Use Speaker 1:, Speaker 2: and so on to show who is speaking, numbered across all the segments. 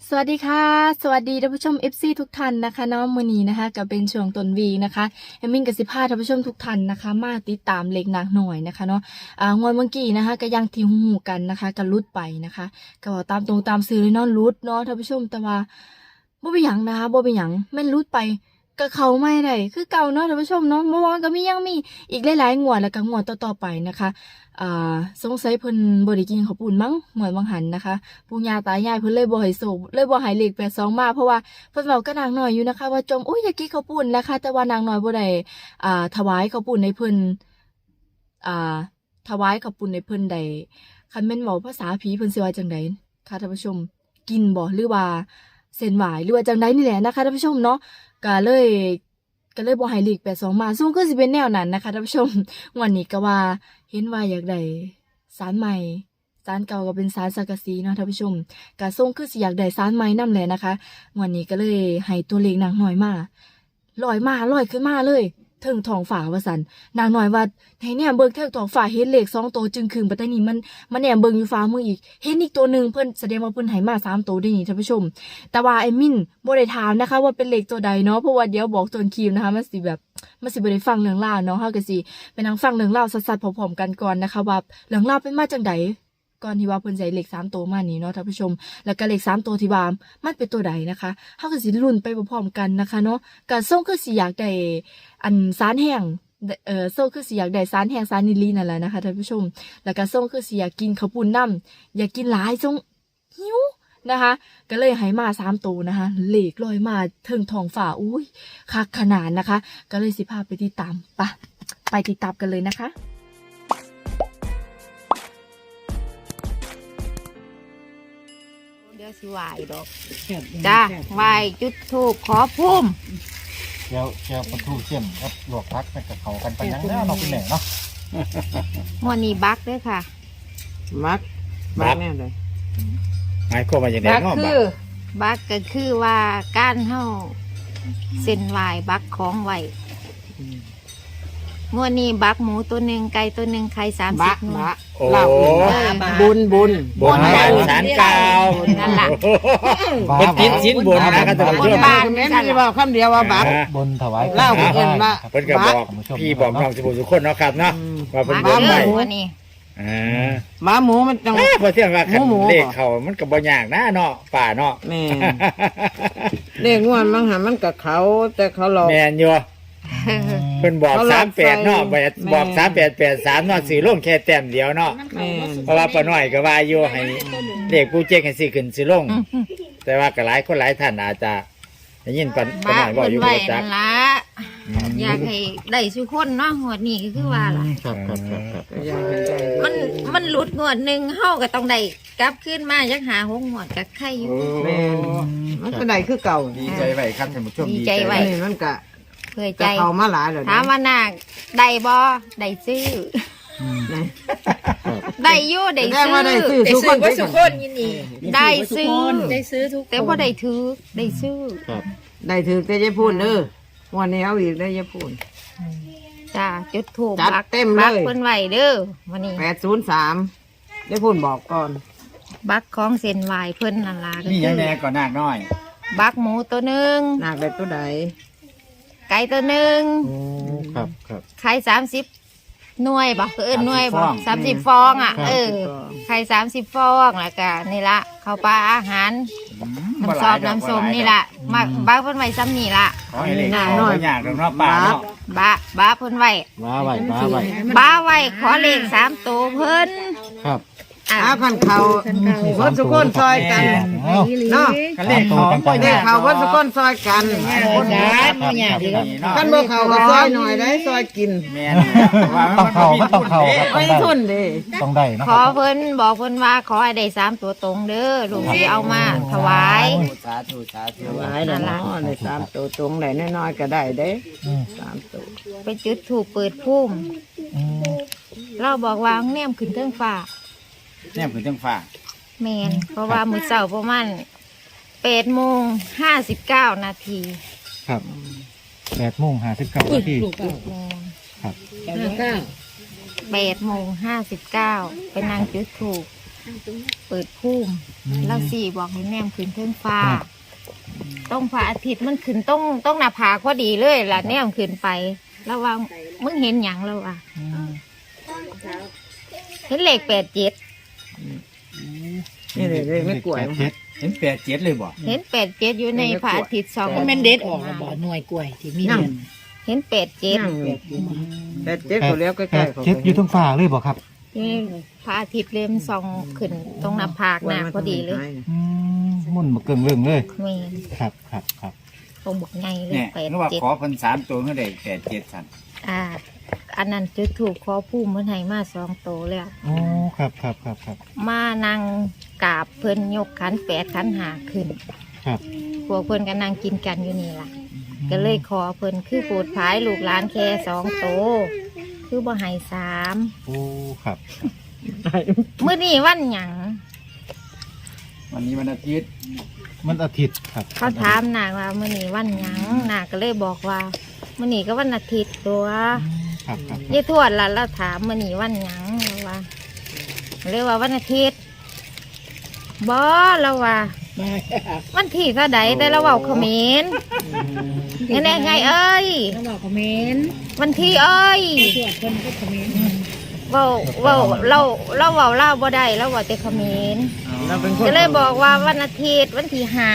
Speaker 1: สวัสดีค่ะสวัสดีท่านผู้ชม FC ทุกท่านนะคะน้องมือนี้นะคะก็เป็นช่วงต้นวีนะคะเอมมินกับสิพาท่านผู้ชมทุกท่านนะคะมาติดตามเล็กหนักหน่อยนะคะเนาะงวดเมื่อกี้นะคะก็ยังที่หูกันนะคะก็ลุดไปนะคะก็บอกตามตรงตามสื่อเลยเนาะลุดเนาะท่านผู้ชมแต่ว่าบ่เป็นหยังนะคะบ่เป็นหยังแม่นลุดไปก็เขาไม่ได้คือเก่าเนาะท่านผู้ชมเนาะเมื่อวานก็ยังมีอีกหลายๆงวดแล้วก็งวดต่อๆไปนะคะสงสัยเพิ่นบ่ได้กินข้าวปุ้นมั้งหวยบางหันนะคะปู่ย่าตายายเพิ่นเลยบ่ให้โศกเลยบ่ให้เลข82มาเพราะว่าเพิ่นเว้ากับนางน้อยอยู่นะคะว่าจมอุ๊ยอยากกินข้าวปุ้นนะคะแต่ว่านางน้อยบ่ได้ถวายข้าวปุ้นให้เพิ่นอ่าถวายข้าวปุ้นให้เพิ่นได้คันแม่นเว้าภาษาผีเพิ่นสิว่าจังไดค่ะท่านผู้ชมกินบ่หรือว่าเส้นไหว้หรือว่าจังไดนี่แหละนะคะท่านผู้ชมเนาะก็เลยบ่ให้เลข82มาซึ่งก็สิเป็นแนวนั้นนะคะท่านผู้ชมวันนี้ก็ว่าเห็นว่าอยากได้ศาลใหม่ศาลเก่าก็เป็นศาลสังกะสีเนาะท่านผู้ชมก็ส่งคือสิอยากได้ศาลใหม่นำแหละนะคะวันนี้ก็เลยให้ตัวเลขนางน้อยมาลอยขึ้นมาเลยเทิงท้องฟ้าว่าซั่นนางน้อยว่าให้แนมเบิ่งเทิงท้องฟ้าเห็นเลข2ตัวจึงครึงบัดนี้มันแนมเบิ่งอยู่ฟ้ามืออีกเห็นอีกตัวนึงเพิ่นแสดงว่าเพิ่นให้มา3ตัวได้นี่ท่านผู้ชมแต่ว่าไอ้มินบ่ได้ถามนะคะว่าเป็นเลขตัวใดเนาะเพราะว่าเดี๋ยวบอกต้นคลิปนะคะมันสิบ่ได้ฟังเรื่องราวเนาะเฮาก็สิไปนั่งฟังเรื่องราวสัดๆพร้อมๆกันก่อนนะคะว่าเรื่องราวเป็นมาจังไดก่อนที่ว่าเพิ่นใส่เลข3ตัวมานี่เนาะท่านผู้ชมแล้วก็เลข3ตัวที่ว่ามันเป็นตัวใดนะคะเฮาก็สิลุ้นไปพร้อมๆกันนะคะเนาะก็ส่งคือสิอยากได้อันสารแห้งส่งคือสิอยากได้สารแห้งสารนิลลีนั่นแหละนะคะท่านผู้ชมแล้วก็ส่งคือสิอยากกินข้าวปุ้นน้ำอยากกินหลายส่งหิวนะคะก็เลยให้มา3ตัวนะคะเลขลอยมาถึงท้องฟ้าอุ้ยคักขนาดนะคะก็เลยสิพาไปติดตามไปติดตามกันเลยนะคะ
Speaker 2: เดี๋ยวสิไหวดอกจ้าไหวจุดธูปขอพุ่ม
Speaker 3: เชียวปลาทูเชี่ยมครับลวกพักกับเขากันไปยังแล้วเราเป็นแหล่งเนาะ
Speaker 2: วันนี้บักด้วยค่ะ
Speaker 4: บักแน่เลย
Speaker 3: หมายความว่าอย่างไร
Speaker 4: บัก
Speaker 3: เนาะ
Speaker 4: คือ
Speaker 2: บักก็คือว่าการเฮาเส้นไหวบักของไหวงวดนี้บักหมูตัวหนึ่งไก่ตัวหนึ่งไข่30
Speaker 4: บัก
Speaker 2: หน่ว
Speaker 4: บั
Speaker 2: ย
Speaker 4: กเหล่าบุญ
Speaker 3: บนบานสารกาว
Speaker 2: นั่นล่ะ
Speaker 3: เป็นติดชิ้นบนนะครับท่านผู้ชม
Speaker 4: บ้านแม่นว่าคำเดียวว่าบัก
Speaker 3: บนถวาย
Speaker 4: เล่าเพิ่นว่า
Speaker 3: เพิ่นก็บอกพี่บอกน้องสิบุสุคนเนาะครับเนาะว่าเพิ่น
Speaker 2: บัก
Speaker 3: บอก
Speaker 2: เล
Speaker 3: ไว้
Speaker 2: ยวันนี้
Speaker 4: หมาหมูมันต้อง
Speaker 3: พอเที่ยงว่าคัน
Speaker 4: หมู
Speaker 3: เลขเขามันก็บ่ยากนะเนาะป่าเนาะ
Speaker 4: แม่เลขงวดมันหามันกับเขาแต่เขาหลอก
Speaker 3: แม่นอยู่เพิ่นบอก
Speaker 4: เขาหลอก
Speaker 3: 38เนาะบอก
Speaker 4: แม่
Speaker 3: 3883เนาะสิลงแค่แต้มเดียวเนาะ
Speaker 4: แม่
Speaker 3: เพราะว่าป้าน้อยก็ว่าอยู่ให้เด็กผู้เจ๊งให้สิขึ้นสิลง แต่ว่าก็หลายคนหลายท่านอาจจะได้ยินป้า
Speaker 2: บั
Speaker 3: น้อก ยบอก
Speaker 2: เพิ่น
Speaker 3: อยู่
Speaker 2: ไหว
Speaker 3: บ่จั
Speaker 2: นั่
Speaker 3: ก
Speaker 2: นล่ะอยากให้ได้ทุกคนเนาะงวดนี้ก็คือว่าล่ะ
Speaker 3: ครับ
Speaker 4: อยากเห็นใจ
Speaker 2: มันหลุดงวดหนึ่งเฮาก็ต้องได้กลับขึ้นมายักหาหงงวดกับใครอยู่
Speaker 4: แม่มันก็ได้คือเก่า
Speaker 3: ดีใจไว้ครับท่านผู้ชม
Speaker 2: ดีใจไว้
Speaker 4: นี่มันก็
Speaker 2: เพื่อใจ
Speaker 4: จะเข้ามาหลายแล้ว
Speaker 2: ถามว่านาคได้บ่ได้ซื้อได้อยู่ได้
Speaker 4: แสดง
Speaker 2: ซื้
Speaker 4: ว่าได้ซื้อทุกคนทุกคน
Speaker 2: ได้ซื้อ
Speaker 5: ได้ซื้อทุก
Speaker 2: แต่บ่ได้ถือได้ซื้อ
Speaker 4: ได้ถือแต่จะพูดเด้อวันนี้เอาอีกได้จะพูด
Speaker 2: จ้าจุดถูก
Speaker 4: จัดเต็มเลย
Speaker 2: บักเพิ่นไว้เด้อวันนี้
Speaker 4: 803ได้พูดบอกก่อน
Speaker 2: บักของเส้นไหวเพิ่นนั่นล่ะก็
Speaker 3: นี่
Speaker 2: คื
Speaker 3: ยัง
Speaker 2: อ
Speaker 3: แน่ก่อนหน้าน้อย
Speaker 2: บักหมูตัวหนึง
Speaker 4: หนักได้ตัวใด
Speaker 2: ไก่ตัวหนึง
Speaker 3: ครับ
Speaker 2: ไข่30หน่วยบ่คือหน่วยบ่
Speaker 3: 30
Speaker 2: 30ฟองอ่ะไข่30ฟองแล้วก็นี่ละข้าวปลาอาหารน้ำซอสน้ำส้มนี่ละมาบ้าเพิ่นไว้ซ้ำนี่ละ
Speaker 3: ขอให้เลขเขาบ่ยากดอกเนาะป่าเนาะ
Speaker 2: บ้าเพิ่นไว้
Speaker 3: มาไว้
Speaker 2: บ้าไว้ขอเลข3ตัวเพิ่น
Speaker 3: ครับ
Speaker 4: อาพันเขาเพิ่นสุกคนซอยกันเนาะ
Speaker 3: กันเลขเขาบ่
Speaker 4: เด็
Speaker 3: ยาก ก
Speaker 4: เขาเพิ่นสุกคนซอยกัน กันบ่เขาก็ซอยหน่อยได้ซอยกิน
Speaker 3: แม่นต้องเข้าครับ
Speaker 4: ไม่ทุนเด้
Speaker 3: ต้องได้เนาะ
Speaker 2: ขอเพิ่นบอกเพิ่นว่าขอให้ได้3ตัวตรงเด้อลูกสิเอามาถวาย
Speaker 3: สาธุสาธุ
Speaker 4: หลายแล้วเนาะได้3ตัวตรงได้น้อยๆก็ได้เด้3ตัว
Speaker 2: ไปจุดถูกเปิดพุ่มเราบอกว่าแนมขึ้นเทิงฟ้า
Speaker 3: แน่คือจังฟ้า
Speaker 2: แมนเพราะว่ามื้อเช้าประมาณ8:59 นาที
Speaker 3: ครับ8:59 นาที
Speaker 2: 8:59ไปนั่งจุดถูกเปิดพุ่มแล้วสี่บอกให้แนมขึ้นเทิงฟ้าต้องพระอาทิตย์มันขึ้นต้องหน้าผากพอดีเลยล่ะแนมขึ้นไปแล้วว่ามึงเห็นหยังแล้วอ่ะเห็นเลข87
Speaker 4: นี่เลยไม่กลัว
Speaker 3: เห็น87เลยบ่
Speaker 2: เห็น87อยู่ในพระอาทิตย์สอง
Speaker 5: มันเด็ดออกแล้วบ่หน่วยกล้วยที่มี
Speaker 4: นั่ง
Speaker 5: เดือน
Speaker 2: เห็น87
Speaker 4: นั่งอยู่แต่เจ็บตัวแล้วใกล้ๆเขา
Speaker 6: เจ็ดอยู่ทั้งฝ่าเลยบอกครับ
Speaker 2: นี่พระอาทิตย์เริ่มส่องขึ้นตรงหน้าผากหน้าพอดีเลย
Speaker 6: มุ่นมาเกิงเรื่องเลย
Speaker 2: แม่น
Speaker 6: ครับครับครับ
Speaker 2: ตรงบกไงเลย
Speaker 3: เนี่ยนึกว่าขอ
Speaker 2: 87
Speaker 3: เพิ่น3ตัวเพิ่นได้87ซั่น
Speaker 2: อันนั้นจุดถูกขอพุ่มเพิ่นให้มา2 โตวแล้ว
Speaker 6: โอ้ครับครับครับครับ
Speaker 2: มานั่งกราบเพิ่นยกขัน8ขัน5ขึ้น
Speaker 6: ครับ
Speaker 2: พวกเพิ่นก็นั่งกินกันอยู่นี่ล่ะ ก็เลยขอเพิ่นคือโปรดภายลูกหลานแค่2 โตวคือบ่ให้3
Speaker 6: โอ้ครับ
Speaker 2: มื้อนี้วันหยัง
Speaker 3: วันนี้วันอาทิตย์
Speaker 6: มันอาทิตย์ครับ
Speaker 2: เขาถามนาว่ามื้อนี้วันหยังนาก็เลยบอกว่ามื้อนี้ก็วันอาทิตย์ตัว
Speaker 6: ครับครับ
Speaker 2: ยายทวดล่ะเราถามมื้อนี้วันหยังเราว่าเรียกว่าวันอาทิตย์บ่เราว่า วันที่เท่าใดแต่เราเว้าเขมรยังไงไงเอ้ย
Speaker 5: แล้วบอกคอมเมนต์
Speaker 2: วันที่เอ้ย
Speaker 5: ตรวจคนก็คอมเมนต์
Speaker 2: เว้าเราเว้าลาวบ่ได้เราเว้าแต่เขมร
Speaker 4: เราเป็นคน
Speaker 2: ก็เลยบอกว่าวันอาทิตย์วันที่5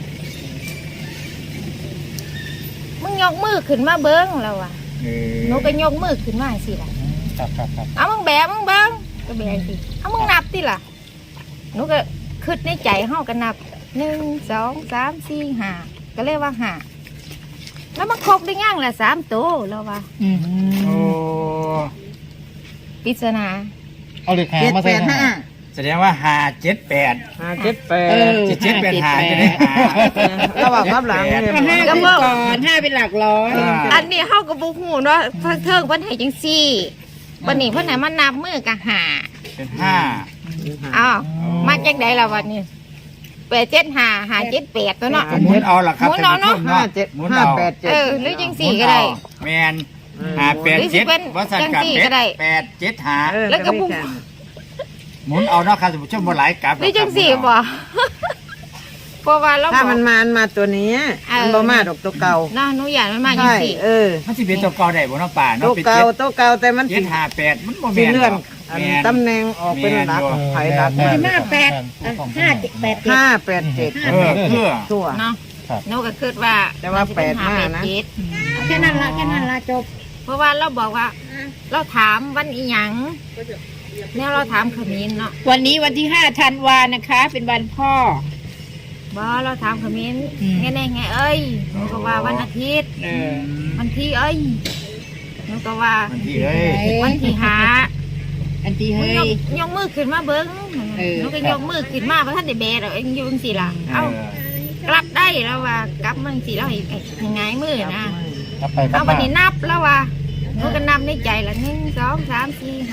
Speaker 2: มึงยกมือขึ้นมาเบิ้งเราอ่ะหนูก็ยกมือขึ้นมาสิล่ะ
Speaker 6: ครับครับครับ
Speaker 2: เอามึงแบมึงเบิ้งก็แบสิเอามึงนับสิล่ะหนูก็คิดในใจเฮาก็นับ1 2 3 4 5ก็เลยว่า5แล้วมันครบได้ยังล่ะ3 ตัวแล้วว่า
Speaker 3: โอ้
Speaker 2: ปริศนา
Speaker 6: เอาเลขหา
Speaker 4: 7
Speaker 6: มาใส่
Speaker 4: 8
Speaker 6: นะ
Speaker 4: 5
Speaker 3: แสดงว่า578
Speaker 4: 5 7 8
Speaker 3: 785จะได้หา
Speaker 4: เราบอกรับหลังเลย
Speaker 5: ห้าเป็นก่อน5เป็นหลักร้อย
Speaker 2: อันนี้เฮาก็บ่ฮู้เนาะเพิ่นเทิงเพิ่นให้จังซี่บัดนี้เพิ่นให้มานับมือก็5
Speaker 3: เป็น
Speaker 2: อ้าวมาจังไดล่ะวันนี้875 578ตัวเนาะ
Speaker 3: 5หมุนเอาล่ะครับ
Speaker 2: หมุนเอาเนาะ
Speaker 3: ท่ผู้ชมหมุนเอา
Speaker 2: หรือจังสี่ก็ได้
Speaker 3: แมน587บ่สั่นกับ
Speaker 2: จังสี่ก็ได้
Speaker 3: 875
Speaker 2: แล้วก็บุ้ง
Speaker 3: หมุนเอาเนาะครับท่านผู้ชมบ่หลายกลับ
Speaker 2: หรือจังสี่บ่เพราะว่าเรา
Speaker 4: ถ้า
Speaker 2: บอก
Speaker 4: มันมาตัวนี้มันบ่มาดอกตัวเก่า
Speaker 2: เนาะหนูอยากมันมาจัง
Speaker 4: ใช่
Speaker 2: สี่
Speaker 3: มันสิเป็นตัวเก่าได้บ่เนาะป่า
Speaker 4: ตั
Speaker 3: เนาะ
Speaker 4: ว
Speaker 3: เป็น
Speaker 4: เก่าตัวเก่าแต่มันสิ
Speaker 3: 758มันบ่
Speaker 4: สิ
Speaker 3: แม่น
Speaker 4: เลื่อน
Speaker 3: หรอกแม่น
Speaker 4: ตำแหน่งออกเป็นหลักไผ่หลัก
Speaker 5: มันจะมา5 8 7
Speaker 4: 5 8 7
Speaker 3: คือ
Speaker 4: ตัว
Speaker 2: เนาะหนูก็คิดว่า
Speaker 4: แต่ว่า
Speaker 2: มันสิเป็น
Speaker 4: 85นะ
Speaker 2: 587
Speaker 5: แค่นั้นละจบ
Speaker 2: เพราะว่าเราบอกว่า เราถามวันอีหยังเนี่ยเราถามขมิ้นเนาะ
Speaker 5: วันนี้วันที่5 ธันวานะคะ เป็นวันพ่อ
Speaker 2: บ่เราถามขมิ้นไงไงเอ้ยหนูก็ว่าวันอาทิตย์วันที่เอ้ยหนูก็ว่า
Speaker 3: มันที่เอ้ย
Speaker 2: วันที่หา
Speaker 5: อันที่
Speaker 2: มึง
Speaker 5: เฮ้ย
Speaker 2: ยกมือขึ้นมาเบิ้ง
Speaker 5: เออ
Speaker 2: หนูก็ยกมือขึ้นมาเพราะท่านได้แบดเอาเองอยืนสิล่ะ เอากลับได้แล้วว่ากลับมึงสิแล้วให้ไงมือนะ
Speaker 6: ครับไปครั
Speaker 2: เอา
Speaker 6: บ
Speaker 2: วันนี้นับแล้วว่าหนูก็นับในใจละ1 2 3 4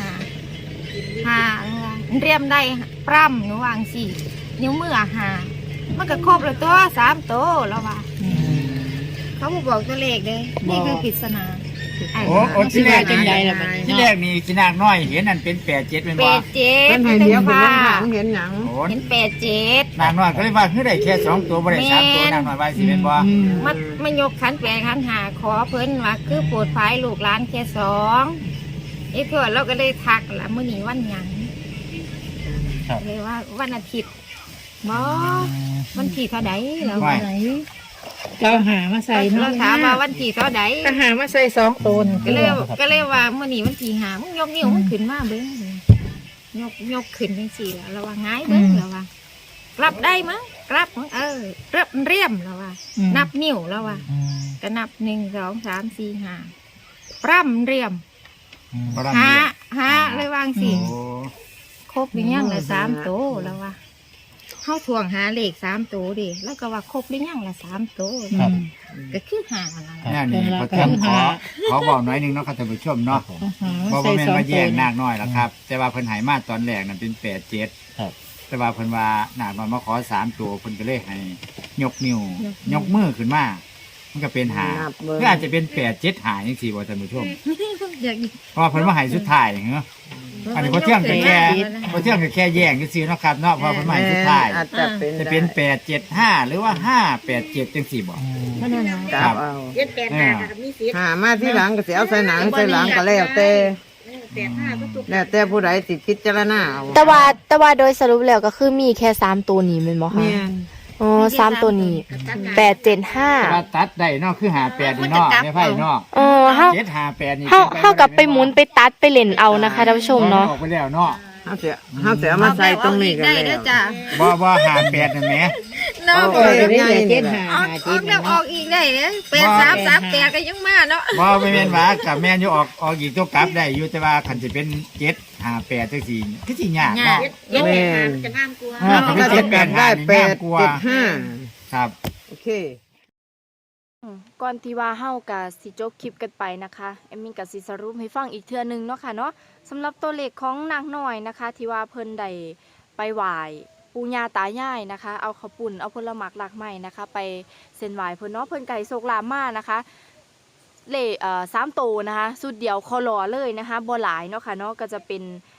Speaker 2: 5เรียมได้ปร่ำหนูวางสี่นิ้วมือมันก็ครบแล้วตัว3 ตัวแล้วว่าเขาบอกตัวเลขเลยนี่คือปริศนา
Speaker 3: โอ้ที่แรก
Speaker 5: จังใดล่ะบัดนี้
Speaker 3: ที่แรกนี่กินากน้อยเห็นนั่นเป็น87เป็น
Speaker 2: เป็
Speaker 3: บ่
Speaker 2: ดเจ็ด
Speaker 4: เป็นไผ่เดียวเป็นหางเห็นหยัง
Speaker 3: โอ้
Speaker 2: เห็น87
Speaker 3: นางน้อยก็เลยว่าคือได้แค่2ตัวบ่ได้3ตัวนางน้อยว่าสิเป็นบ่
Speaker 2: มันยกขันแปลขันหาขอเพิ่นว่าคือโปรดภายลูกหลานแค่2ไอ้เพื่อนเราก็เลยทักละมื้อนี้วันหยังเลยว่าวันอาทิตย์บ่วันที่เท่าใดแล้ว
Speaker 3: ว่า
Speaker 5: ไหนเราหามาใส่
Speaker 2: เราถามว่าวันที่เท่าใด
Speaker 5: ก็หามาใส่2 ตน
Speaker 2: ก็เลยว่ามื้อนี้วันที่หามึงยกนิ้วมึงขึ้นมาเบิ่งยกขึ้นจังซี่แล้วเราว่าง่ายเบิ่งแล้วว่ากลับได้มั้งกลับมั้งเรียมแล้วว่านับนิ้วแล้วว่าก็นับ1 2 3 4 5ปร่ำเรียมหาเลยวางสิ
Speaker 3: โอ้
Speaker 2: ครบหรือยังละ3 ตัวแล้วว่าเขาทวงหาเลข3 ตัวดิแล้วก็ว่าครบหรือยังละ3 ตัว
Speaker 6: ครับ
Speaker 2: ก็คือหาละ
Speaker 3: นี่นี่พระท่านขอบอกหน่อยหนึงเนาะครับท่านผู้ชมเนาะเพราะว่าแม่นมาแย่งนากน้อยล่ะครับ แต่ว่าเพิ่นให้มาตอนแรกนั่นเป็น87
Speaker 6: ครับ
Speaker 3: แต่ว่าเพิ่นว่านาคน้อยมาขอ3ตัวเพิ่นก็เลยให้ยกนิ้วยกมือขึ้นมามันก็เป็นหา
Speaker 4: นับเบิ่ง
Speaker 3: ก็อาจจะเป็น8 7หาจังซี่บ่ท่านผู้ชม
Speaker 2: อยาก
Speaker 3: เพราะว่าเพิ่นว่าให้สุดท้ายเหรออันนี้พอเที่ยงก็แค่แย่งซื่อๆเนาะครับเนาะเพอเป็นใหม่สุดท้าย
Speaker 4: อาจจะเป็น
Speaker 3: จะเป็น875หรือว่า587จังซี่บ่
Speaker 4: กลับเอา
Speaker 5: เจ็ดแปดห้าก็มีสิทธิ์
Speaker 4: หามาที่หลังก็สิเอาใส่หนังใส่หลังก็แล้วแต่
Speaker 5: 85ก็ตุก
Speaker 4: แล้วแต่ผู้ใดสิพิจารณาเอา
Speaker 1: แต่ว่าโดยสรุปแล้วก็คือมีแค่3ตัวนี้แม่นบ่คะ
Speaker 4: แม่น
Speaker 1: อ๋อ3ตัวนี้
Speaker 3: แต่
Speaker 1: 875
Speaker 3: ว่าตัดได้เนาะคือ58นี่เนาะในไพ่เนาะ
Speaker 1: เฮา
Speaker 3: 758นี่
Speaker 1: เฮากลับไปหมุนไปตัดไปเล่นเอานะคะท่านผู้ชมเนาะ
Speaker 3: ออกไปแล้วเนาะ
Speaker 4: เฮาสิเอามาใส่ตรงนี้กัน
Speaker 2: ได้
Speaker 4: แล้
Speaker 2: เด้อ
Speaker 4: ว
Speaker 2: จ้ะ
Speaker 3: บ่58นั่นแหม
Speaker 2: เนาะ
Speaker 4: เอาไปได้เจ็ดหา
Speaker 2: ออกแล้วออกอีกได้เด้อ8338ก็ยังมาเนาะ
Speaker 3: บ่แม่นว่ากับแม่นอยู่ออกอีกตัวกลับได้อยู่แต่ว่าคันสิเป็น758จังซี่คือสิยากเนาะ
Speaker 5: เจ็ดแปดห้าจะงามกว่า
Speaker 3: ถ้าเป็น
Speaker 4: ก็จะกันได้
Speaker 3: 785นี่ง่ายกว่า
Speaker 4: 875
Speaker 3: ครับ
Speaker 4: โอเค
Speaker 1: ก่อนที่ว่าเฮาก็สิจบคลิปกันไปนะคะเอมมี่ก็สิสรุปให้ฟังอีกเทื่อนึงเนาะค่ะเนาะสำหรับตัวเลขของนางน้อยนะคะ ที่ว่าเพิ่นได้ไปไหว้ปู่ย่าตายายนะคะ เอาข้าวปุ่นเอาผลหมากหลากไม้นะคะ ไปเส้นไหว้เพิ่นเนาะเพิ่นไก่โศกลามานะคะเลข3ตัวนะคะสุดเดียวคอรอเลยนะคะบ่หลายเนาะค่ะเนาะก็จะเป็น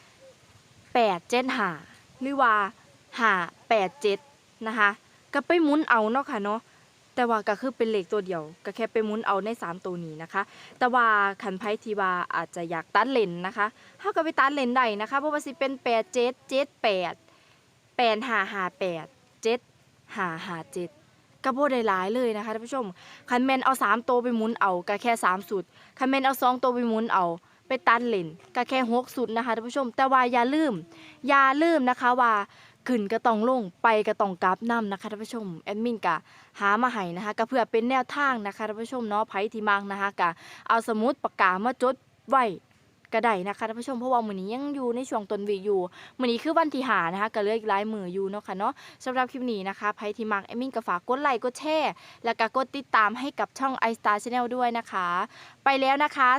Speaker 1: 875หรือว่า587นะคะก็ไปหมุนเอาเนาะค่ะเนาะ แต่ว่าก็คือเป็นเลขตัวเดียวก็แค่ไปหมุนเอาใน3ตัวนี้นะคะแต่ว่าคันไพ่ที่ว่าอาจจะอยากตัดเลนนะคะเฮาก็ไปตัดเลนได้นะคะเพราะว่าสิเป็น8778 8558 7557ก็บ่ได้หลายเลยนะคะท่านผู้ชมคันแม่นเอา3ตัวไปหมุนเอาก็แค่3สุดคันแม่นเอา2ตัวไปหมุนเอาไปตัดเลนก็แค่6สุดนะคะท่านผู้ชมแต่ว่าอย่าลืมนะคะว่าขึ้นก็ต้องลงไปก็ต้องกลับนํนะคะท่านผู้ชมแอดมินก็หามาให้นะคะก็เพื่อเป็นแนวทางนะคะท่านผู้ชมเนาะไผที่มักนะคะก็เอาสมุดปากกามาจดไว้ก็ได้นะคะท่านผู้ชมเพราะว่ามื้อนี้ยังอยู่ในช่วงต้นวีคอยู่มื้อนี้คือวันที่5นะคะก็เหลืออีกหลายมื้ออยู่เนาะค่ะเนาะสำหรับคลิปนี้นะคะไผที่มักแอดมินก็ฝากกดไลค์กดแชร์แล้วก็กดติดตามให้กับช่อง iStar Channel ด้วยนะคะไปแล้วนะคะ